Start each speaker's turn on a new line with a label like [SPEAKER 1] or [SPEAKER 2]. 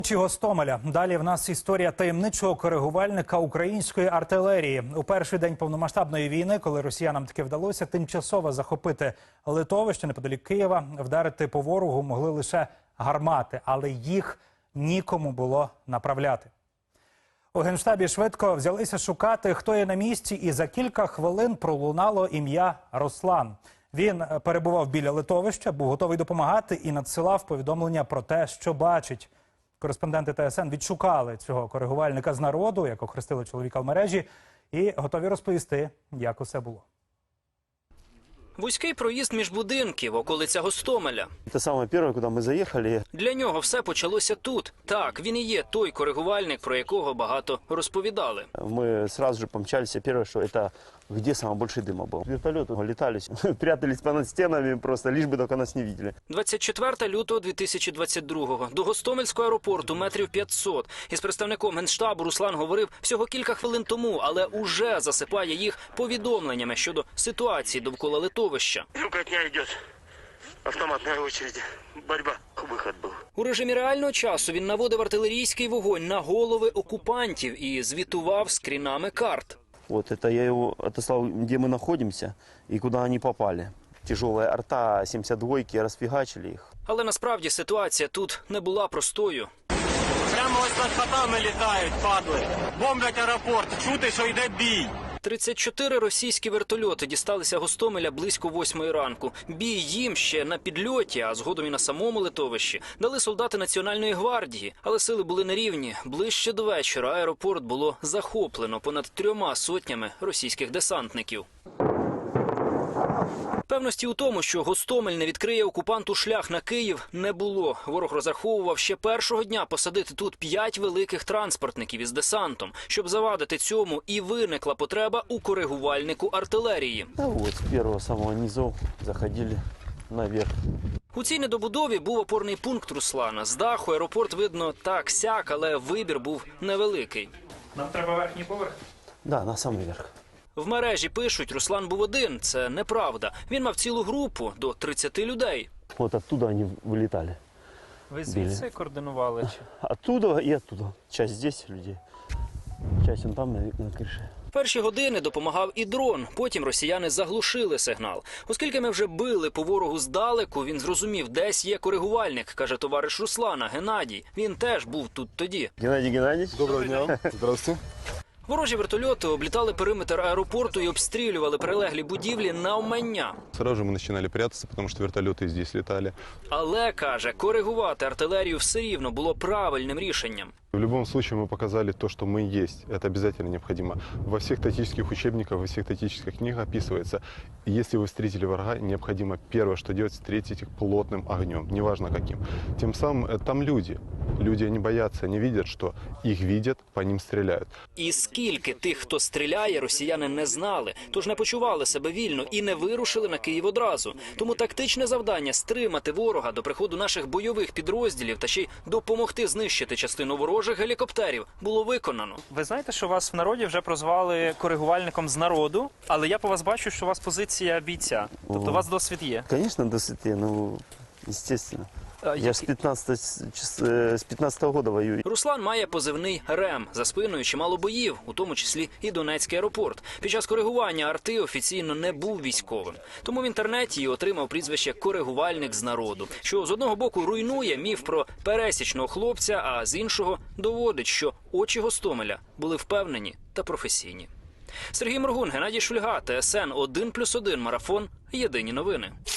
[SPEAKER 1] Чи Гостомеля. Далі в нас історія таємничого коригувальника української артилерії. У перший день повномасштабної війни, коли росіянам таки вдалося тимчасово захопити Литовище неподалік Києва, вдарити по ворогу могли лише гармати, але їх нікому було направляти. У Генштабі швидко взялися шукати, хто є на місці, і за кілька хвилин пролунало ім'я Руслан. Він перебував біля Литовища, був готовий допомагати і надсилав повідомлення про те, що бачить. Кореспонденти ТСН відшукали цього коригувальника з народу, як охрестили чоловіка в мережі, і готові розповісти, як усе було.
[SPEAKER 2] Вузький проїзд між будинків, околиця Гостомеля.
[SPEAKER 3] Це саме перше, куди ми заїхали.
[SPEAKER 2] Для нього все почалося тут. Так, він і є той коригувальник, про якого багато розповідали.
[SPEAKER 3] Ми одразу ж помчалися, перше, що це, де найбільше диму був. Вертольоти літали, прятались понад стінами, просто лиш би тільки нас не бачили.
[SPEAKER 2] 24 лютого 2022-го. До Гостомельського аеропорту метрів 500. Із представником Генштабу Руслан говорив всього кілька хвилин тому, але уже засипає їх повідомленнями щодо ситуації довкола Литовища.
[SPEAKER 4] Трукотня йде. Автоматна очередь. Боротьба. Вихід був.
[SPEAKER 2] У режимі реального часу він наводив артилерійський вогонь на голови окупантів і звітував скрінами карт.
[SPEAKER 3] Вот это я его отослал, где мы находимся и куда они попали. Тяжелая арта, 72-ки, расфигачили их.
[SPEAKER 2] Але насправді ситуація тут не була простою.
[SPEAKER 4] Прямо ось над хатами літають, падли. Бомблять аеропорт. Чути, що йде бій.
[SPEAKER 2] 34 російські вертольоти дісталися Гостомеля близько 8-ї ранку. Бій їм ще на підльоті, а згодом і на самому литовищі, дали солдати Національної гвардії. Але сили були нерівні. Ближче до вечора аеропорт було захоплено понад 3 сотнями російських десантників. Певності у тому, що Гостомель не відкриє окупанту шлях на Київ, не було. Ворог розраховував ще першого дня посадити тут 5 великих транспортників із десантом. Щоб завадити цьому, і виникла потреба у коригувальнику артилерії.
[SPEAKER 3] А вот с первого самого низу заходили наверх.
[SPEAKER 2] У цій недобудові був опорний пункт Руслана. З даху аеропорт видно так-сяк, але вибір був невеликий.
[SPEAKER 1] Нам треба верхній поверх?
[SPEAKER 3] Да, на самый верх.
[SPEAKER 2] В мережі пишуть, Руслан був один. Це неправда. Він мав цілу групу до 30 людей.
[SPEAKER 3] Вот оттуда они вылетали.
[SPEAKER 1] Ви звідси координували?
[SPEAKER 3] Оттуда и оттуда. Часть здесь людей, часть он там на крыше.
[SPEAKER 2] Перші години допомагав і дрон, потім росіяни заглушили сигнал. Оскільки ми вже били по ворогу здалеку, він зрозумів, десь є коригувальник, каже товариш Руслана, Геннадій. Він теж був тут тоді.
[SPEAKER 3] Геннадий Геннадьевич.
[SPEAKER 5] Доброго дня. Здравствуйте.
[SPEAKER 2] Ворожі вертольоти облітали периметр аеропорту і обстрілювали прилеглі будівлі навмання.
[SPEAKER 5] Сразу же мы начинали прятаться, потому что вертолеты здесь летали.
[SPEAKER 2] Але, каже, коригувати артилерію все рівно було правильним рішенням.
[SPEAKER 5] В любом случае мы показали то, что мы есть. Это обязательно необходимо. Во всех тактических учебниках, во всех тактических книгах описывается, если вы встретили врага, необходимо первое, что делать, встретить их плотным огнем, неважно каким. Тем самым там люди. Люди не боятся, они видят, что их видят, по ним стреляют.
[SPEAKER 2] І скільки тих, хто стріляє, росіяни не знали, тож не почували себе вільно і не вирушили на Київ одразу. Тому тактичне завдання – стримати ворога до приходу наших бойових підрозділів та ще й допомогти знищити частину ворожих гелікоптерів було виконано.
[SPEAKER 6] Ви знаєте, що вас в народі вже прозвали коригувальником з народу, але я по вас бачу, що у вас позиція бійця. Тобто у вас досвід є.
[SPEAKER 3] Конечно, до сети, ну, естественно. Я ж с 15-го года воюю.
[SPEAKER 2] Руслан має позивний «РЕМ». За спиною чимало боїв, у тому числі і Донецький аеропорт. Під час коригування арти офіційно не був військовим. Тому в інтернеті і отримав прізвище «коригувальник з народу», що з одного боку руйнує міф про пересічного хлопця, а з іншого доводить, що очі Гостомеля були впевнені та професійні. Сергій Моргун, Геннадій Шульга, ТСН 1+1 Марафон. Єдині новини.